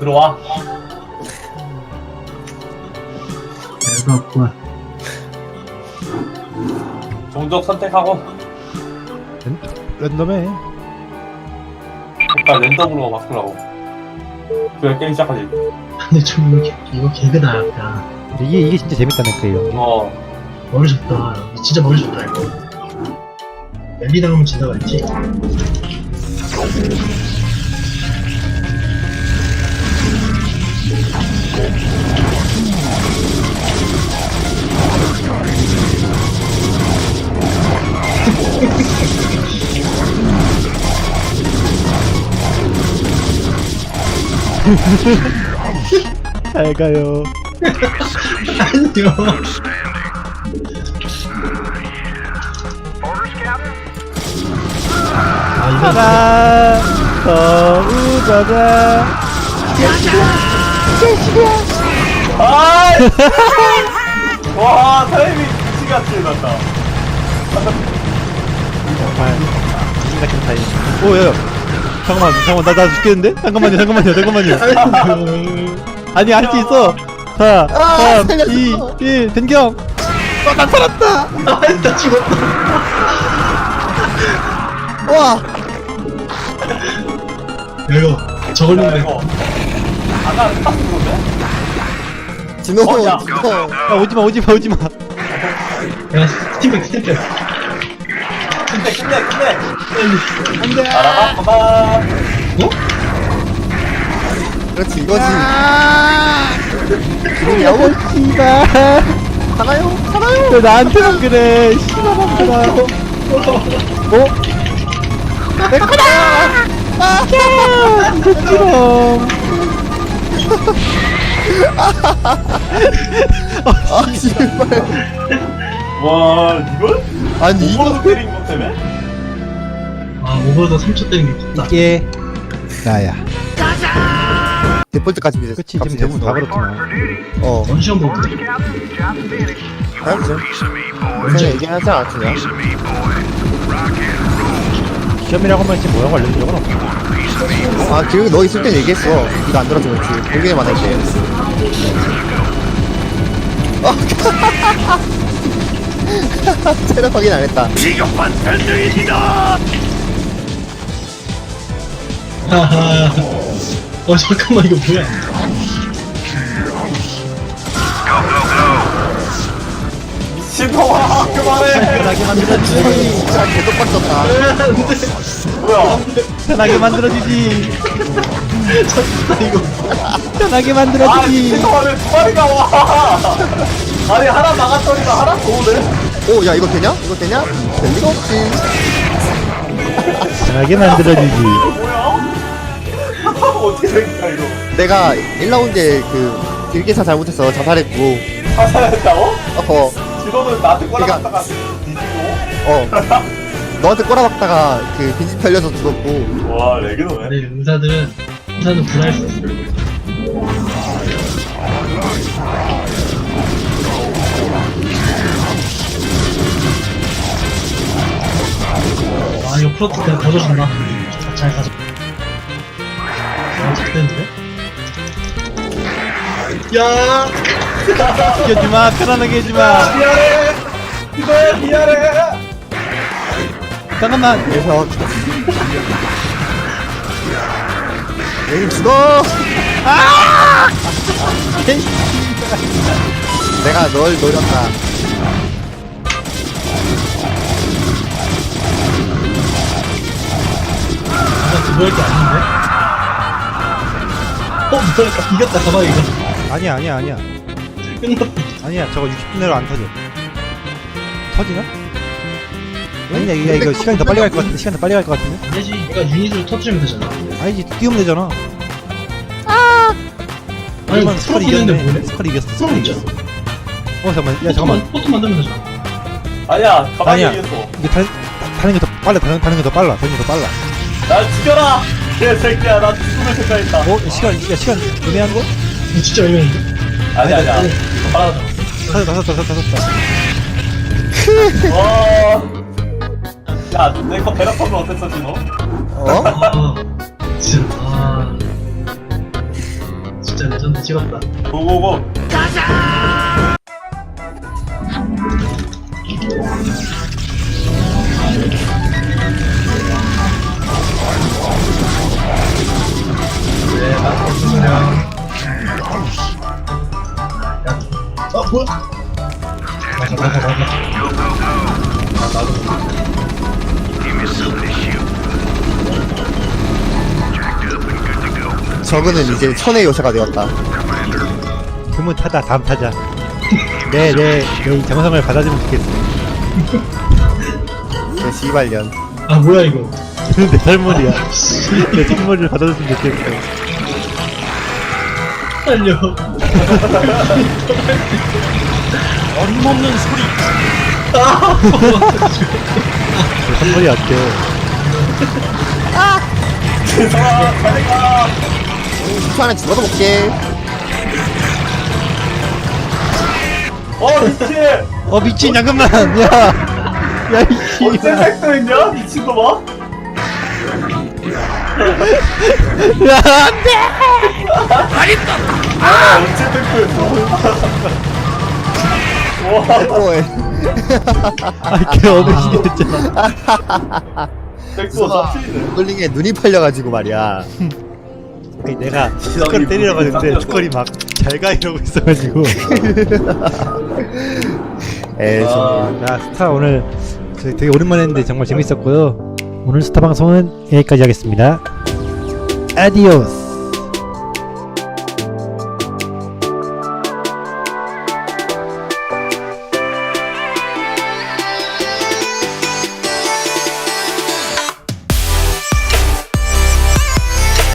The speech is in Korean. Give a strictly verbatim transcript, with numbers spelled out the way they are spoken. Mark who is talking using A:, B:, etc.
A: 들어와.
B: 별거 없구만.
A: 종족 선택하고
C: 랜덤해.
A: 일단 랜덤으로 바꾸라고. 그래 게임 시작하지.
B: 근데 좀 이거, 개- 이거 개그다 약간.
C: 이게 이게 진짜 재밌다는 거예요.
A: 어.
B: 머리 좋다. 진짜 머리 좋다 이거. 엘리 당하면 진다가 있지.
C: 잘 가요.
B: 아니요. 아 이거
C: 하나 더 웃어라.
A: 아! 와 타이밍 미치같이 났다.
C: 정말 무슨 같은 타임. 오야. 잠깐만 잠깐만 나 나 죽겠는데? 잠깐만요 잠깐만요 잠깐만요. 아니 할 수 있어. 사, 삼, 이, 일 변경. 어, 난 살았다.
B: 아나 죽었다.
C: 와.
B: 이거 저걸로
A: 야 이거 아까 딱 그건데?
D: 진호
A: 어, 야.
D: 진호
C: 야 오지마 오지마 오지마.
B: 야 스팀백 스팀백.
A: 근데 근데 근데
C: 안돼.
A: 알아봐 봐봐.
B: 어?
D: 그렇지 이거지
C: 야호 씨발.
D: 하나요 하나요
C: 왜 나한테만 그래? 씨발놈들아. 어? 내 거다. 아, 진짜
D: 아 씨발
A: 와 이걸?
D: 아니
A: 이거
D: 이거
A: 때린 것 때문에?
B: 아 오버더 삼 초 때린 게 컸다.
C: 이게 나야.
D: 데폴트까지 이제
C: 그치
D: 값이
C: 지금 대부분 다
D: 됐어.
C: 그렇구나.
D: 어
B: 원시형 보고.
D: 알지 언제 얘기하지 않았냐
C: 시험이라고 하면 지금 뭐라고 알려준 적은 없어.
D: 아 그 너 있을 땐 얘기했어 이거 안 들어서 그렇지 공개만 할게 체력 확인 안 했다
B: 하하. 어 잠깐만 이거 뭐야?
A: 미친놈아 그만해.
C: 편하게 만들어주지.
D: 진짜 개떡 빡쳤다
A: 뭐야?
C: 편하게 만들어주지.
B: 졌다 이거.
C: 편하게
A: 아
C: 만들어주지.
A: 미친놈아 왜 두 마리가 와? 아니 하나 나갔더니만 하나 더 오네.
D: 오 야 이거 되냐? 이거 되냐? 될 리가 없지
C: 편하게 만들어주지.
A: 뭐야? 어떻게 된 거야 이거?
D: 내가 일 라운드에 그 길게사 잘못해서 자살했고
A: 사살했다고?
D: 어허
A: 지도는 나한테
D: 그러니까-
A: 꼬라박다가 뒤지고.
D: 어 너한테 꼬라박다가 그 빈집 털려서 죽었고
A: 와 레기노네.
B: 근데 의사들은 의사는 불알 수 있어. 아 이거 플러트 그냥 거둬준다. 잘 가자. 아 잘되는데? 야.
C: 시켜주마. 편안하게 해주마.
A: 미안해. 이거야 미안해.
C: 잠깐만.
D: 그래서 여기 죽어 내가 널 노렸다
B: 내가 그거 할게 아닌데? 어 뭐야 이겼다 가봐 이거.
C: 아니야 아니야 아니야.
B: 끝났다.
C: 아니야 저거 육십 분 내로 안 터져. 터지나? 아니야 이거, 이거 시간이 더 빨리 갈 것 같은데. 시간 더 빨리 갈 것 같은데.
B: 아니지 얘가 유닛으로 터트리면 되잖아.
C: 아니지 뛰면 되잖아.
B: 아니
C: 그러면 스컬이 이겼네.
B: 뭐네?
C: 스컬이 이겼어.
B: 스컬
C: 스컬이
B: 있죠.
C: 이겼어. 어 잠깐만. 야 잠깐만.
B: 포트 만들면 되잖아.
A: 아니야 가만히
C: 아니야.
A: 있어.
C: 이게 다, 다, 다른 게 더 빨라. 다른, 다른 게 더 빨라. 다른 게 더 빨라.
A: 날 죽여라. 개새끼야 나 죽음을 생각했다.
C: 어 시간 야 시간 애매한 거?
B: 이거 진짜 애매한데?
A: 아니 아니야.
B: 아니,
A: 빨아줘.
C: 다섯 다섯 다섯 다섯 다섯.
A: 와. 야, 내 거 베라펌은 어땠어, 진호?
D: 어?
B: 아 진짜 아 레전드 찍었다.
A: 고고고. 네, 맞습니다.
B: 어 뭐야? 맞아 맞아 맞아.
D: 저그는 이제 천의 요새가 되었다.
C: 그러면 타다 다음 타자. 네네 내 정성을 받아주면 좋겠어.
D: 내 씨발년.
B: 아 뭐야 이거?
C: 내 설물이야. 내 선물을 받아줬으면 좋겠어.
B: 살려.
E: 어림없는 소리.
C: 내 선물이 어때?
A: 죄송합니다. 빨리 가.
D: 이 초 안에 죽어도 볼게.
A: 어, 미친.
C: 어 미친 잠깐만 야. 야 이씨.
A: 언제 색도 있냐? 미친 거 봐.
C: 야 안돼.
A: 아, 언제 색도였어? 와,
D: 뭐해.
C: 아걔 어르신이 됐잖아.
A: 색도 잡히네.
D: 굴링에 눈이 팔려가지고 말이야.
C: 아니, 내가 스컬 때리러 가는데 스컬이 막 잘 가 이러고 있어가지고.
D: 에이,
A: 아,
C: 자 스타 오늘 저희 되게 오랜만에 했는데 정말 재밌었고요. 오늘 스타 방송은 여기까지 하겠습니다. 아디오스.